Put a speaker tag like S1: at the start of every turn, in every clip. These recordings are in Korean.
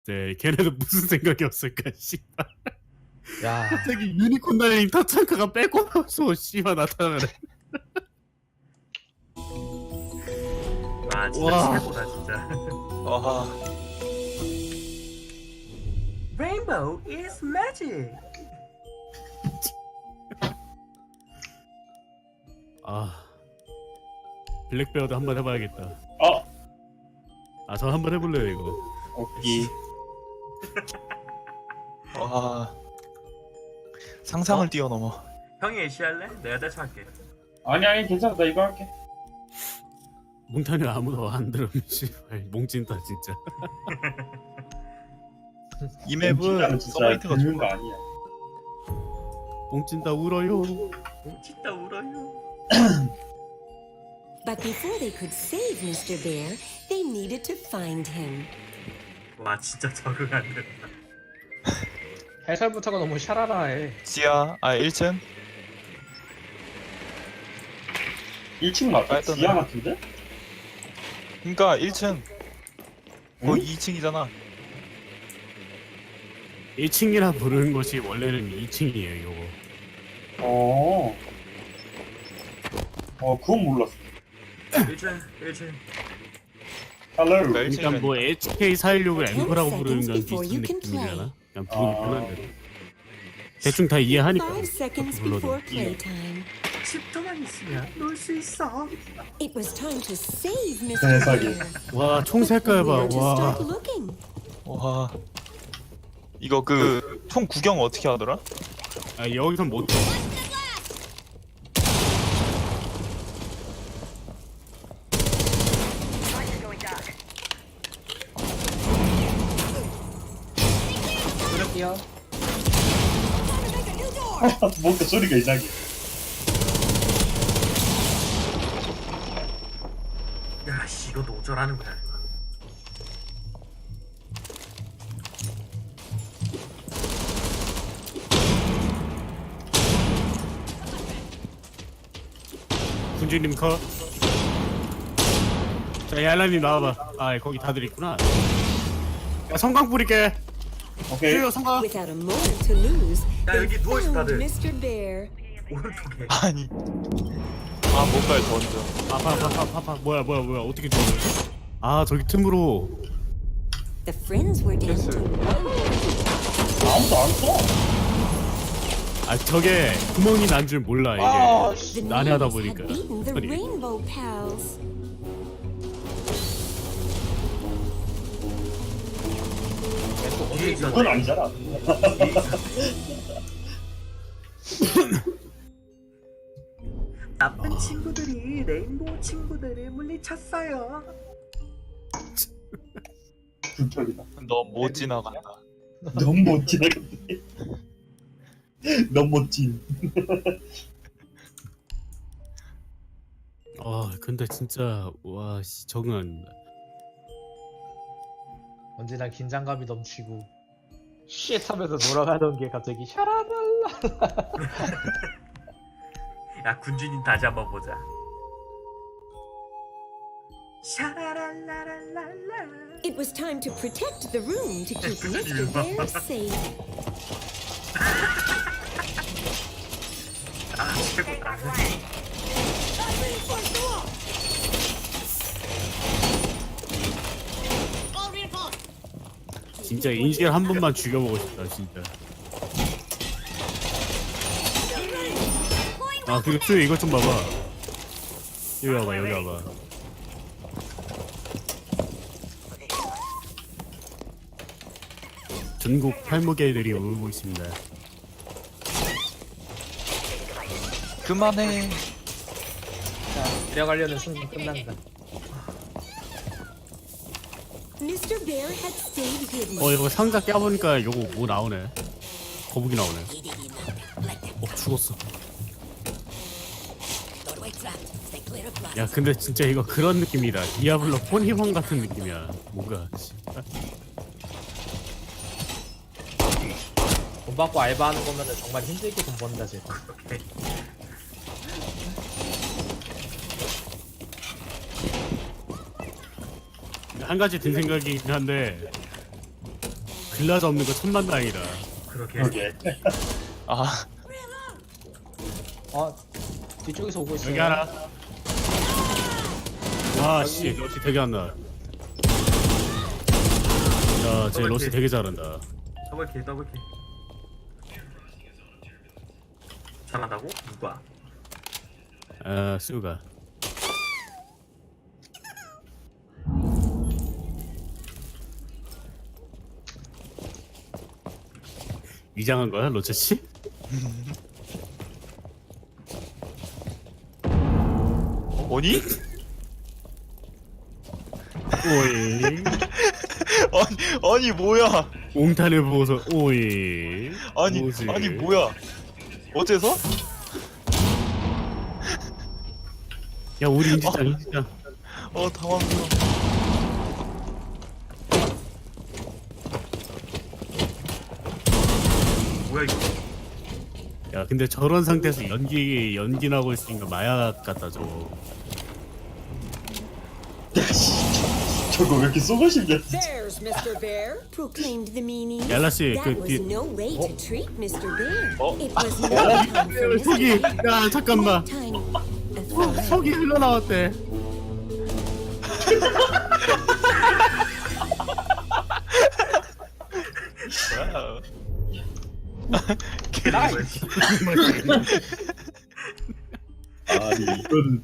S1: 네, 걔네도 무슨 생각이 없을까, 씨발.
S2: 야,
S1: 갑자기 유니콘 달린 타창카가 빼고 나서 씨발 나타나네.
S3: 아 진짜
S1: 와.
S3: 최고다 진짜.
S4: 와,
S3: Rainbow is magic.
S1: 아, 블랙베어도 한번 해봐야겠다.
S5: 어,
S1: 아, 저 한번 해볼래요 이거.
S5: 오케이.
S4: 와. 상상을 뛰어넘어.
S3: 형이 애쉬 할래? 내가 대처할게.
S5: 아니 괜찮아, 나 이거 할게.
S1: 몽탄이 아무도 안 들으면 씨발 몽진다 진짜.
S4: 이 맵은
S5: 진짜
S4: 서바이트가
S5: 듣는
S4: 좋아.
S5: 거 아니야.
S1: 몽진다 울어요.
S3: 진짜 울어요.
S6: But before they could save Mr. Bear, they needed to find him.
S3: 와 진짜 적응 안 된다.
S2: 해설부터가 너무 샤라라해.
S4: 지하, 1층?
S5: 1층 맞아?
S4: 빨리
S5: 지하 같은데?
S4: 그니까 1층.
S5: 응?
S4: 2층이잖아.
S1: 1층이라 부르는 것이 원래는 2층이에요 이거.
S5: 그건 몰랐어.
S3: 1층.
S5: Hello.
S1: 그러니까 뭐 HK416을 엠퍼라고 부르는 건
S6: before
S1: 비슷한
S6: you can
S1: 느낌이잖아. 그냥
S5: 아.
S1: 부르기 편한 대로. 대충 다 이해하니까.
S6: 5 seconds
S1: 그렇게 불러도.
S6: before playtime,
S3: 10초만 있으면 놀 수 있어.
S6: it was time to save Mr.
S5: 세상에.
S6: Bear.
S1: 와, 총 색깔 봐.
S6: Where to
S1: 와.
S6: start looking?
S4: 와. 이거 총 구경 어떻게 하더라?
S1: 아, 여기선 못.
S2: 그럴게요.
S5: 뭔가 소리가 이상해.
S3: 야씨 이거 노절하는 거야.
S1: 군주님 컷. 자, 얄라님 나와봐. 아, 거기 다들 있구나. 야, 성광 뿌릴게.
S5: 오케이.
S1: 뿌려, 성광.
S6: Without a moment to lose,
S3: 야,
S6: they
S3: 여기 누워있어,
S6: found
S3: 다들.
S6: Mr. Bear.
S3: 오른쪽에.
S4: 아니. 뭔가를 던져.
S1: 아파. 뭐야. 어떻게 줘? 아, 저기 틈으로.
S6: The friends were down to
S5: 아무도 안 써.
S1: 아, 저게 구멍이 난 줄 몰라, 이게.
S2: 아,
S6: the
S1: 난해하다
S6: knees had
S1: 보니까.
S6: beaten the
S1: 소리.
S6: Rainbow Pals.
S3: 뒤에 있어.
S5: 그건 아니잖아.
S3: 나쁜 친구들이 레인보우 친구들을 물리쳤어요.
S5: 불편이다.
S4: 너 못 지나간다.
S5: 너무 못 지나갔네. 너무 멋진.
S1: 아, 근데 진짜, 와, 씨, 적응 안 된다.
S2: 언제나 긴장감이 넘치고 쉣 하면서 돌아가던 게 갑자기 샤라랄라.
S3: 야 군주님 다시 한번 보자. 샤라랄라랄랄라.
S6: It was time to protect the room to keep Mr. Bear safe.
S3: 아 최고다.
S1: 진짜 인실 한 번만 죽여보고 싶다, 진짜. 아, 그리고 쭈 이것 좀 봐봐. 여기 와봐. 전국 팔목애들이 울고 있습니다.
S4: 그만해.
S2: 자, 데려가려는 순간 끝난다.
S6: Mr. Bear had stayed hidden.
S1: 이거 상자 깨보니까 요거 뭐 나오네. 거북이 나오네. 죽었어. 야, 근데 진짜 이거 그런 느낌이다. 디아블로 폰희망 같은 느낌이야. 뭔가.
S2: 돈 받고 알바하는 거면은 정말 힘들게 돈 번다 쟤.
S1: 한 가지 든 생각이긴 한데 빌라자 없는 거 천만다행이다.
S3: 그러게.
S5: 오케이.
S4: 아
S2: 아 뒤쪽에서 오고 있어요.
S1: 여기 하나. 아씨 러시 되게 안 나. 야쟤 러시 되게 잘한다.
S3: 더블킬 더블킬. 잘한다고? 누가?
S1: 아 수가. 위장한 거야 로체 씨?
S4: 뭐니?
S1: 오이.
S4: 아니 뭐야?
S1: 옹탄을 보고서 오이.
S4: 아니
S1: 뭐지?
S4: 아니 뭐야? 어째서?
S1: 야 우리 인지장.
S4: 당황스러워.
S3: 뭐야 이거?
S1: 야 근데 저런 상태에서 연기 나고 있으니까 마약 같다 저거.
S5: 저거 왜 이렇게 쏘고 싶냐?
S6: There's Mr. Bear, proclaimed the meanie.
S1: 얄라씨
S6: That
S1: 그
S6: was
S1: 뒤.
S6: no way to treat Mr. Bear. It was no time for
S1: 속이.
S6: Mr. Bear.
S1: 야 잠깐만.
S6: Time. A thought.
S1: 속이 흘러나왔대.
S2: 나이.
S5: 아니 이거는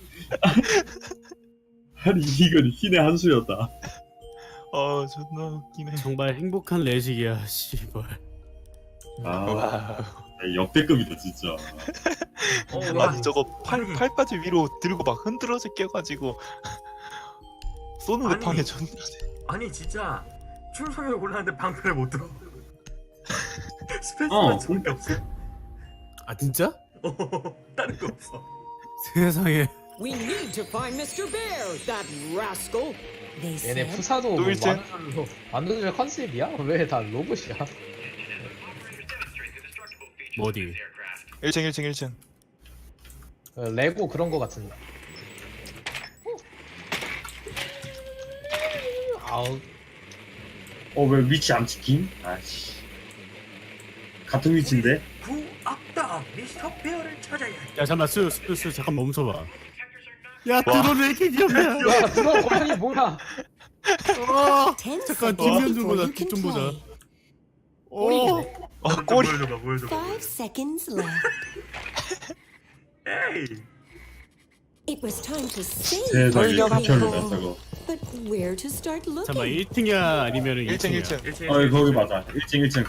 S5: 아니 이건 신의 한 수였다.
S4: 존나 웃기네.
S1: 정말 행복한 레식이야 씨발.
S5: 아
S4: 와.
S5: 역대급이다 진짜.
S4: 아니 저거 팔까지 위로 들고 막 흔들어서 깨가지고 쏘는 거
S3: 아니.
S4: 방해 존나 돼.
S3: 아니 진짜 충성을 골랐는데 방패를 못 들어.
S5: 어,
S3: 스페이스만 저밖에 없어.
S1: 아 진짜?
S3: 다른 거 없어.
S1: 세상에.
S6: We need to find Mr. Bear, that rascal. They
S2: 얘네
S6: said.
S2: 푸사도
S4: 또
S2: 뭐
S4: 일제?
S2: 만두절 컨셉이야? 왜 다 로봇이야?
S1: 뭐 어디?
S4: 1층.
S2: 레고 그런 거 같은데. 아우
S5: 왜 위치 안 찍힘? 아씨. 같은 위치인데?
S3: 구악당 미스터 베어를 찾아야 해.
S1: 야 잠깐만 수 잠깐 멈춰봐. 야 드론 왜 이렇게 귀엽냐?
S2: 야 그거 고양이 뭐야?
S6: Ten
S1: 잠깐
S6: seconds
S1: 뒷면 좀
S6: before
S1: 보자.
S6: you
S1: 뒷
S6: can
S1: 좀 보자.
S6: play.
S1: 오.
S4: 꼬리.
S3: 보여줘봐.
S6: 5 seconds left.
S3: 에이.
S6: It was time to save
S5: 세상에
S6: the
S5: 극혐이다
S6: bear.
S5: 저거.
S6: But where to start
S1: 잠깐만
S6: looking?
S1: 1층이야 아니면은
S4: 1층
S1: 2층이야?
S3: 1층.
S5: 아 거기 맞아. 1층.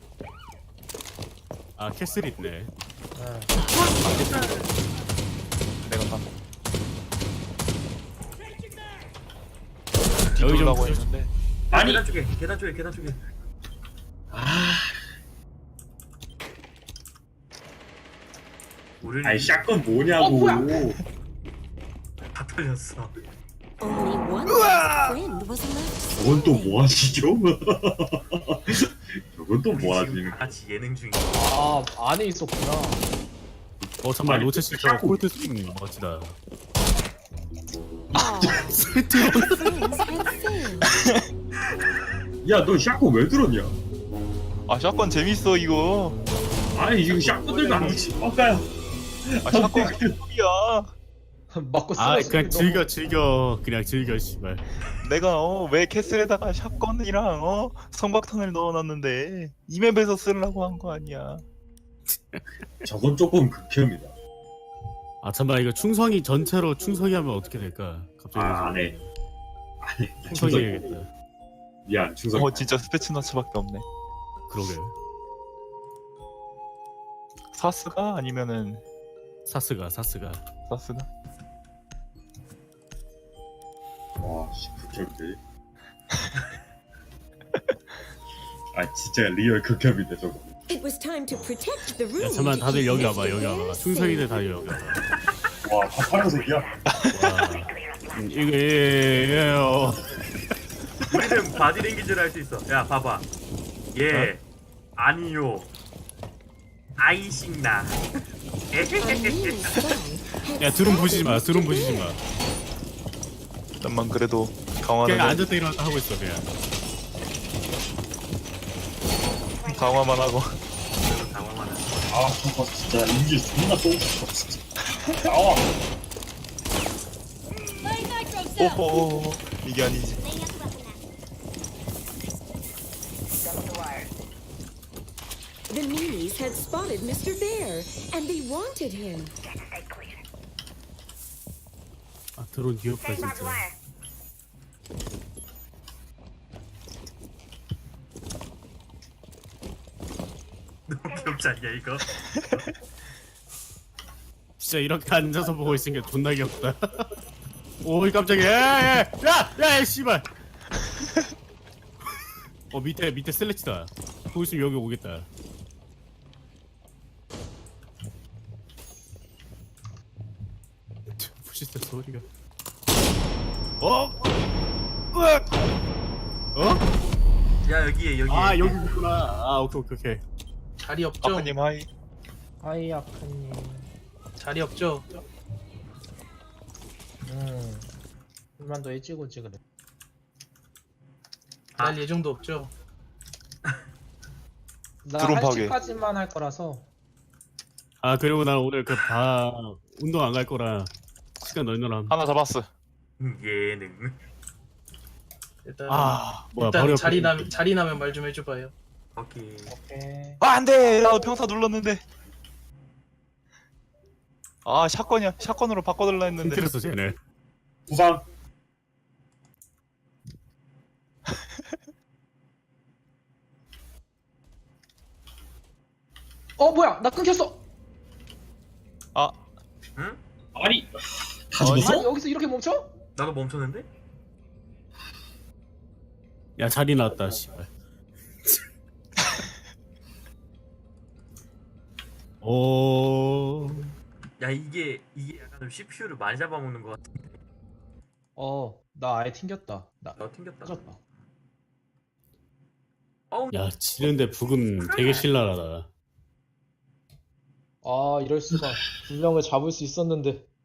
S1: 아 캐슬 있네.
S4: 내가 봐.
S1: 여기 좀
S4: 뒤돌라고
S1: 좀-
S4: 했는데.
S5: 아니
S3: 계단 쪽에. 우리는
S5: 아니 샷건 뭐냐고.
S3: 다 털렸어.
S6: Only one last friend was left.
S5: 저건 또 뭐 하시죠? 저건 또 뭐 하지?
S3: 지금 다 같이 예능 중이야.
S2: 아 안에 있었구나.
S1: 잠깐만
S5: 아니,
S1: 로체 씨 저거
S5: 자꾸-
S1: 콜트 스윙 멋지다.
S6: Friends had failed.
S5: 야 너 샷건 왜 들었냐?
S4: 샷건 재밌어 이거.
S5: 아니 지금 샷건 들고 안 붙이 뻑가요.
S4: 샷건 소리야.
S2: 맞고
S1: 아
S2: 쓰러져.
S1: 그냥 즐겨 그냥 즐겨 씨발.
S4: 내가 왜 캐슬에다가 샷건이랑 성박탄을 넣어놨는데 이 맵에서 쓰려고 한 거 아니야.
S5: 저건 조금 극혐이다.
S1: 아 잠깐만 이거 충성이 전체로 충성이 하면 어떻게 될까? 갑자기
S5: 안 해. 안 해.
S1: 충성이 해야겠다.
S5: 미안 충성.
S4: 진짜 스페츠너츠밖에 없네.
S1: 그러게.
S4: 사스가 아니면은
S1: 사스가.
S4: 사스가?
S5: 와씨 극혐인데. 아 진짜 리얼 극혐인데 저거.
S6: It was time to protect the room.
S1: 야 잠깐만
S6: to
S1: 다들
S6: keep
S1: 여기
S6: Mr.
S1: 와봐 여기
S6: Bear
S1: 와봐.
S6: safe.
S1: 충성이들 다들 여기 와봐.
S5: 와다 파란색이야.
S1: 와. 이게
S3: 우리는 바디랭귀지를 할 수 있어. 야 봐봐. 예. 아니요. 아이싱나.
S6: A new spell had
S1: 야 드론 보시지 마.
S6: started
S1: 드론
S6: Mr.
S1: 보시지
S6: Bear.
S1: 마.
S4: 잠만 그래도 강화는
S1: 그냥 앉았다 일어났다 하고 있어 그냥.
S4: 강화만 하고.
S3: 당황하네.
S5: 아 저거 진짜 이게 존나 똥 진짜. 나와.
S4: 오호 이게 아니지.
S6: The meanies had spotted Mr. Bear, and they wanted him.
S1: 아 드론 귀엽다 진짜.
S3: 너무 귀엽지 않냐 이거?
S1: 진짜 이렇게 앉아서 보고 있으니까 존나 귀엽다. 오이 깜짝이야. 야야야야 씨발. 밑에 슬래치다. 보고 있으면 여기 오겠다. 푸시스 소리가. 으악!
S3: 야 여기에.
S1: 아 여기 있구나. 아 오케이.
S2: 자리 없죠?
S4: 아크님 하이.
S2: 하이 아카님. 자리 없죠? 좀만 더 일찍 오지 그래. 날 예정도 없죠? 나
S4: 드론 파괴.
S2: 1시까지만 할 거라서.
S1: 아 그리고 난 오늘 운동 안 갈 거라 시간 널널함.
S4: 하나 잡았어.
S3: 예능.
S2: 일단
S1: 뭐야
S2: 일단
S1: 바로
S2: 자리 나면 말 좀 해줘봐요.
S3: 오케이.
S2: 오케이.
S4: 아 안돼. 나도 평타 눌렀는데. 아 샷건이야. 샷건으로 바꿔달라 했는데.
S1: 힌트렸어 쟤네.
S5: 부상.
S2: 뭐야 나 끊겼어.
S4: 아
S3: 응?
S5: 아니 다
S2: 아니
S5: 죽었어?
S2: 여기서 이렇게 멈춰?
S3: 나도 멈췄는데?
S1: 야 자리 나왔다 씨발. 오.
S3: 야 이게 약간 좀 CPU를 많이 잡아먹는 것 같아.
S2: 나 아예 튕겼다. 나
S3: 나 튕겼다.
S2: 터졌다.
S3: 어우.
S1: 야 지는데 북은 되게 신랄하다.
S2: 이럴 수가. 분명을 잡을 수 있었는데.